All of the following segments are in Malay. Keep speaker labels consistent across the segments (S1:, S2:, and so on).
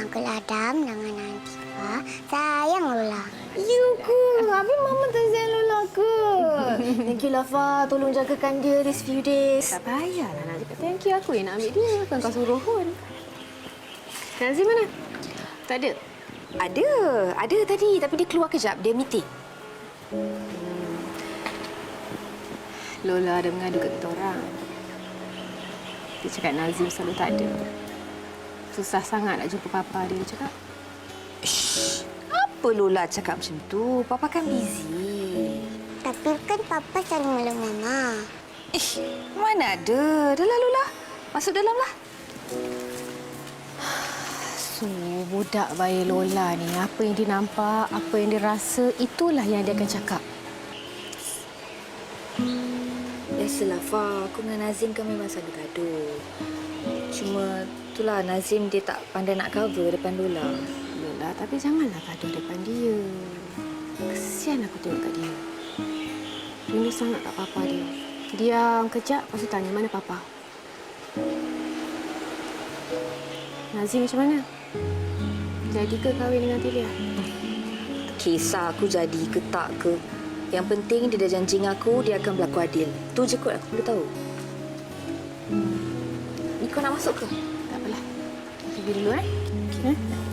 S1: Uncle Adam dengan Nantifa sayang Lola.
S2: You ke? Habis Mama tak sayang Lola ke? Thank you, Lafa. Tolong jagakan dia this few days.
S3: Tak payahlah nak cakap thank you. Aku yang nak ambil dia. Bukan kau suruh pun. Nazim mana? Tak ada?
S2: Ada tadi. Tapi dia keluar kejap. Dia meeting.
S3: Lola ada mengadu kat kita orang. Dia cakap Nazim selalu tak ada. Susah sangat nak jumpa papa dia cakap.
S2: Shh. Apa Lola cakap macam tu? Papa kan busy.
S1: Tapi kan Papa selalu meluk Mama.
S2: Mana ada. Dah lah Lola. Masuk dalam lah.
S3: So, budak bayi Lola ni, apa yang dia nampak, apa yang dia rasa, itulah yang dia akan cakap.
S2: Biasalah, Fa. Aku dengan Nazim kan memang selalu gaduh. Cuma itulah Nazim dia tak pandai nak cover depan Lola.
S3: Lola, tapi janganlah gaduh depan dia. Kesian aku tengok kat dia. Rindu sangat kat papa dia. Diam kejap, lepas tu tanya mana papa. Nazim macam mana? Jadi ke kahwin dengan Tilia?
S2: Kisah aku jadi ke tak ke. Yang penting dia dah janji dengan aku, dia akan berlaku adil. Tu je kot aku perlu tahu. Ni kau nak masuk ke?
S3: Tak apalah. Pergi dulu, eh?
S2: Okay.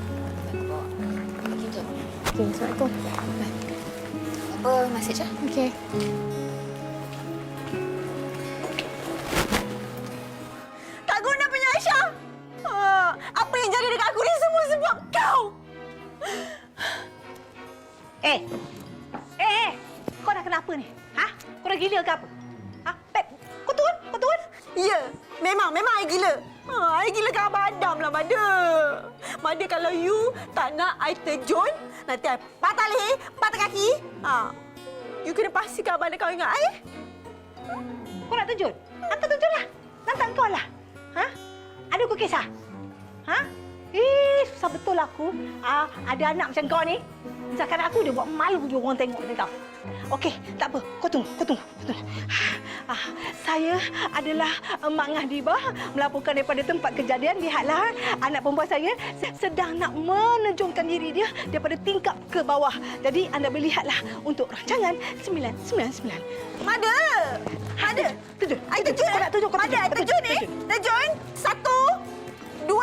S3: Okey, Assalamualaikum.
S2: Apa mesej ah?
S3: Okey.
S4: Tak guna punya Aisyah. Apa yang jadi dekat aku ni semua sebab kau. Eh. Kau dah kenapa ni? Ha? Kau dah gila ke apa? Ha? Pep, kau turun? Ya, memang I gila. I gila ke Abang Adam lah, Mada. Mada, kalau you tak nak I terjun, nanti I patah leher, patah kaki. You kena pastikan Abang Adam kau ingat I. Kau nak terjun? Hantar terjunlah. Hantar kau lah. Ha? Ada kau kisah? Ha? Susah betul aku. Ada anak macam kau ni. Misalkan aku dia buat malu je orang tengok dengan kau. Okey, tak apa. Kau tunggu. Saya adalah Mak Ngahdiba melaporkan daripada tempat kejadian. Lihatlah, anak perempuan saya sedang nak menejungkan diri dia daripada tingkap ke bawah. Jadi anda boleh lihatlah untuk rancangan 999. Mada! Terjun. I terjun. Kau nak terjun? Mada, terjun ni. Terjun. 1, 2,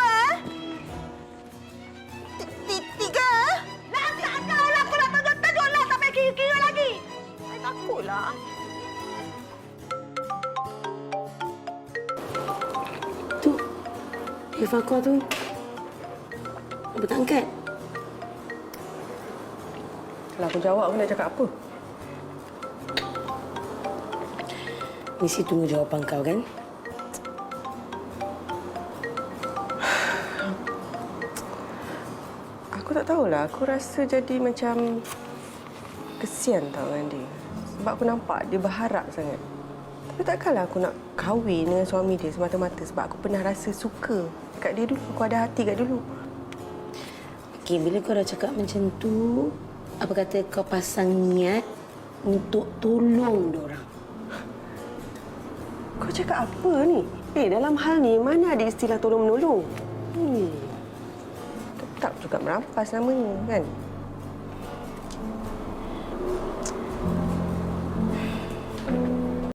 S4: 3. Lantak kau lah. Kau nak terjun. Terjunlah sampai kira-kira lagi. I takutlah.
S5: Tu, telefon kau tu. Apa tak angkat?
S6: Kalau aku jawab, aku nak cakap apa?
S5: Mesti tunggu jawapan kau, kan?
S6: Aku tak tahulah. Aku rasa jadi macam kesian tau dengan dia. Sebab aku nampak dia berharap sangat. Tapi takkanlah aku nak kahwin dengan suami dia semata-mata sebab aku pernah rasa suka kat dia dulu. Aku ada hati kat dulu.
S5: Okey, bila kau dah cakap macam tu, apa kata kau pasang niat untuk tolong diorang?
S6: Kau cakap apa ni? Dalam hal ni, mana ada istilah tolong-menolong? Tetap juga merampas namanya, kan?